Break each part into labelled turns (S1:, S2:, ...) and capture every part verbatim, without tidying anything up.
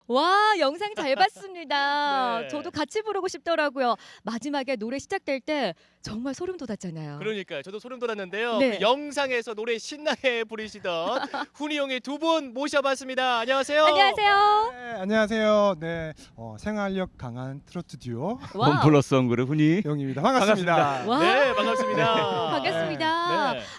S1: 와, 영상 잘 봤습니다.
S2: 네.
S1: 저도 같이 부르고 싶더라고요. 마지막에 노래 시작될 때 정말 소름 돋았잖아요.
S2: 그러니까요. 저도 소름 돋았는데요.
S1: 네.
S2: 그 영상에서 노래 신나게 부르시던 훈이 형의 두 분 모셔봤습니다. 안녕하세요.
S1: 안녕하세요.
S3: 네, 안녕하세요. 네, 어, 생활력 강한 트로트 듀오
S1: 와우.
S4: 원플러스 원그룹 훈이
S3: 영입니다. 반갑습니다.
S4: 반갑습니다.
S1: 와.
S2: 네, 반갑습니다.
S1: 반갑습니다.
S2: 네.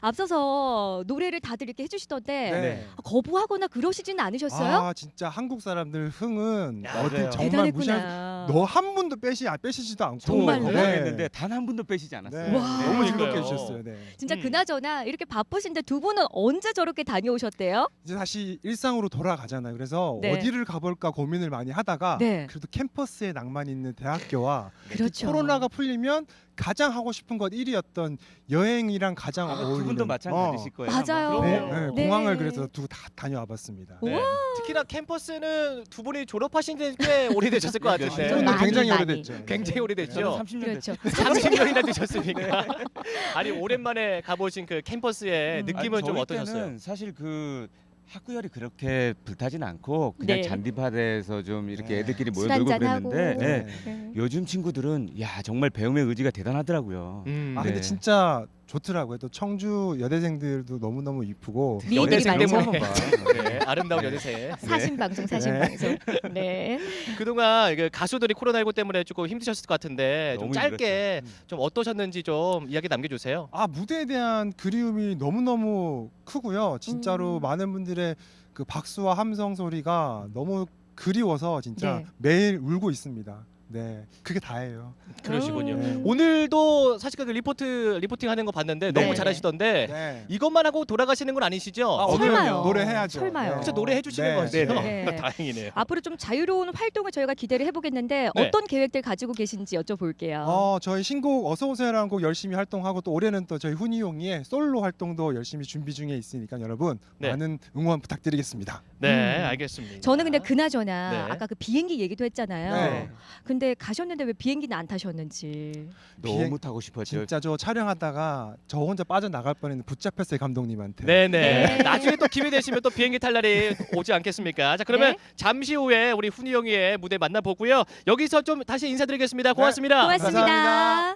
S1: 앞서서 노래를 다들 이렇게 해주시던데
S3: 네.
S1: 거부하거나 그러시지는 않으셨어요?
S3: 아, 진짜 한국 사람들 흥은
S2: 야,
S3: 어디
S2: 맞아요.
S3: 정말 무시할
S1: 대단했구나.
S3: 너 한 분도 빼시 아, 빼시지도 않고
S1: 정말요?
S4: 건강했는데 단 한 분도 빼시지 않았어요.
S3: 네.
S1: 와.
S3: 너무 즐겁게
S2: 그러니까요.
S3: 해주셨어요. 네.
S1: 진짜
S2: 음.
S1: 그나저나 이렇게 바쁘신데 두 분은 언제 저렇게 다녀오셨대요?
S3: 이제 다시 일상으로 돌아가잖아요. 그래서
S1: 네.
S3: 어디를 가볼까 고민을 많이 하다가
S1: 네.
S3: 그래도 캠퍼스에 낭만이 있는 대학교와
S1: 그렇죠.
S3: 코로나가 풀리면 가장 하고 싶은 것 일 위였던 여행이랑 가장
S4: 아,
S3: 어울리는
S4: 두 분도 마찬가지실 거예요.
S1: 맞아요.
S4: 아마.
S3: 네,
S2: 그럼요.
S3: 네,
S1: 네.
S3: 공항을 그래서 두 다 다녀와봤습니다.
S2: 네. 특히나 캠퍼스는 두 분이 졸업하신 지 꽤 오래되셨을 것
S4: 몇
S2: 같은데.
S1: 년? 많이,
S3: 굉장히
S1: 많이.
S3: 오래됐죠.
S2: 굉장히
S4: 저는
S2: 오래됐죠.
S4: 삼십 년 됐어요.
S1: 그렇죠.
S2: 삼십 년이나 되셨으니까. 아니 오랜만에 가보신 그 캠퍼스의
S1: 음.
S2: 느낌은
S4: 아니,
S2: 좀
S4: 저희
S2: 어떠셨어요?
S4: 때는 사실 그 학구열이 그렇게 불타진 않고 그냥
S1: 네.
S4: 잔디밭에서 좀 이렇게
S3: 네.
S4: 애들끼리
S1: 술
S4: 모여놀고
S1: 한잔하고.
S4: 그랬는데 네.
S1: 네.
S4: 요즘 친구들은 야 정말 배움의 의지가 대단하더라고요.
S2: 음.
S3: 아 근데
S4: 네.
S3: 진짜 좋더라고요. 또 청주 여대생들도 너무 너무 이쁘고
S1: 미인들이
S2: 여대생
S1: 많죠.
S2: 때문에 네, 아름다운 여대생.
S1: 사신 방송, 사신
S3: 네.
S1: 방송. 네.
S2: 그동안 이게 가수들이 코로나십구 때문에 조금 힘드셨을 것 같은데 좀
S4: 너무
S2: 짧게
S3: 힘들었죠.
S2: 좀 어떠셨는지 좀 이야기 남겨주세요.
S3: 아 무대에 대한 그리움이 너무 너무 크고요. 진짜로
S1: 음.
S3: 많은 분들의 그 박수와 함성 소리가 너무 그리워서 진짜
S1: 네.
S3: 매일 울고 있습니다. 네, 그게 다예요.
S2: 그러시군요.
S3: 네.
S2: 오늘도 사실 그 리포트 리포팅 하는 거 봤는데 너무
S1: 네.
S2: 잘하시던데
S3: 네.
S2: 이것만 하고 돌아가시는 건 아니시죠?
S3: 아,
S1: 어, 설마요.
S3: 오늘은요. 노래 해야죠.
S1: 설마요.
S2: 진짜 노래 해주시는
S3: 네.
S2: 거죠?
S1: 네. 네.
S2: 다행이네요.
S1: 앞으로 좀 자유로운 활동을 저희가 기대를 해보겠는데
S2: 네.
S1: 어떤 계획들 가지고 계신지 여쭤볼게요.
S3: 어, 저희 신곡 어서 오세요라는 곡 열심히 활동하고 또 올해는 또 저희 훈이용이의 솔로 활동도 열심히 준비 중에 있으니까 여러분
S2: 네.
S3: 많은 응원 부탁드리겠습니다.
S2: 네,
S1: 음.
S2: 알겠습니다.
S1: 저는 근데 그나저나
S2: 네.
S1: 아까 그 비행기 얘기도 했잖아요.
S3: 네.
S1: 근데 가셨는데 왜 비행기는 안 타셨는지.
S4: 너무
S3: 비행-
S4: 타고 싶었죠.
S3: 진짜 저 촬영하다가 저 혼자 빠져나갈 뻔했는데 붙잡혔어요 감독님한테.
S2: 네네.
S1: 네.
S2: 나중에 또 기회 되시면 또 비행기 탈 날이 오지 않겠습니까? 자 그러면
S1: 네.
S2: 잠시 후에 우리 훈이 형의 무대 만나보고요. 여기서 좀 다시 인사드리겠습니다. 고맙습니다.
S1: 고맙습니다.
S3: 감사합니다.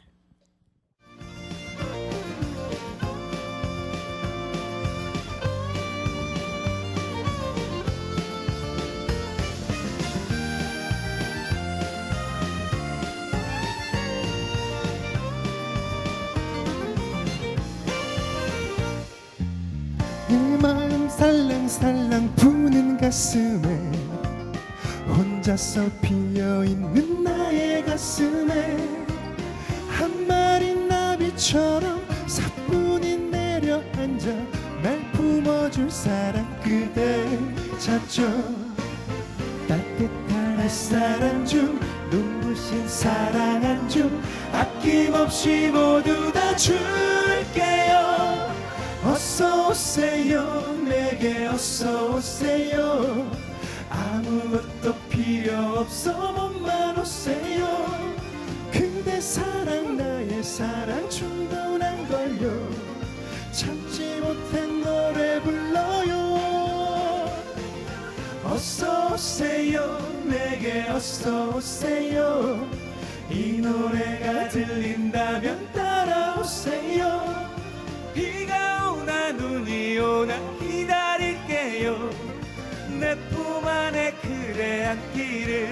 S5: 내 마음 살랑살랑 부는 가슴에 혼자서 피어있는 나의 가슴에 한 마리 나비처럼 사뿐히 내려앉아 날 품어줄 사람 그대 찾죠. 따뜻한 햇살 한줌 눈부신 사랑 한줌 아낌없이 모두 다 줄게요. 어서 오세요 내게 어서 오세요. 아무것도 필요 없어 몸만 오세요. 그대 사랑 나의 사랑 충분한 걸요. 참지 못한 노래 불러요. 어서 오세요 내게 어서 오세요. 이 노래가 들린다면 따라오세요. 비가 오나 눈이 오나 기다릴게요. 내 품 안에 그대 안기를.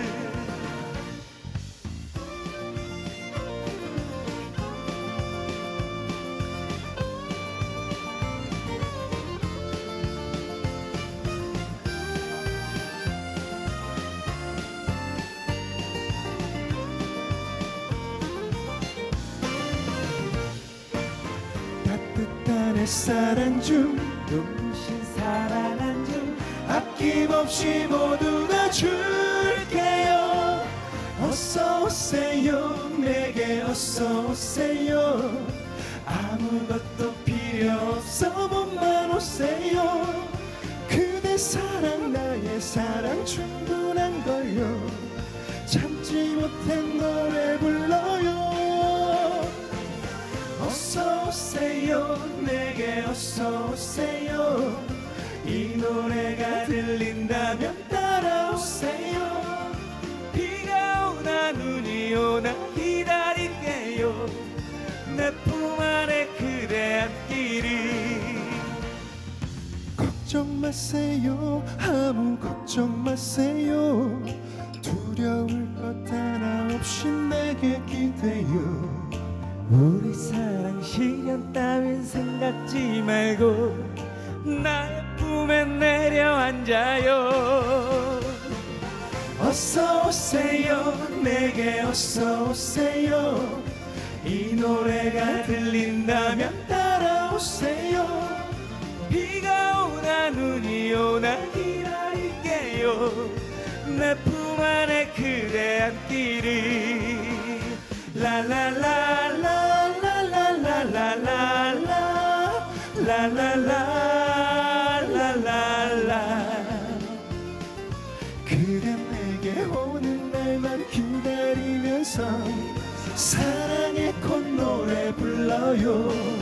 S5: 따뜻한 햇살 한줌 눈부신 사랑 한줌 아낌없이 모두 다 줄게요. 어서 오세요 내게 어서 오세요. 아무것도 필요 없어 몸만 오세요. 그대 사랑 나의 사랑 충분한 걸요. 참지 못한 노래 불러요. 어서 오세요 내게 어서 오세요. 이 노래가 들린다면 따라오세요. 마세요 아무 걱정 마세요 두려울 것 하나 없이 내게 기대요 우리 사랑 시련 따윈 생각지 말고 나의 품에 내려앉아요 어서 오세요 내게 어서 오세요 이 노래가 들린다면 따라오세요 비가 오나 눈이 오나 기다릴게요 내 품 안에 그대 앉기를 라라라라라라라라라라 라라라라라라 그대 내게 오는 날만 기다리면서 사랑의 콧노래 불러요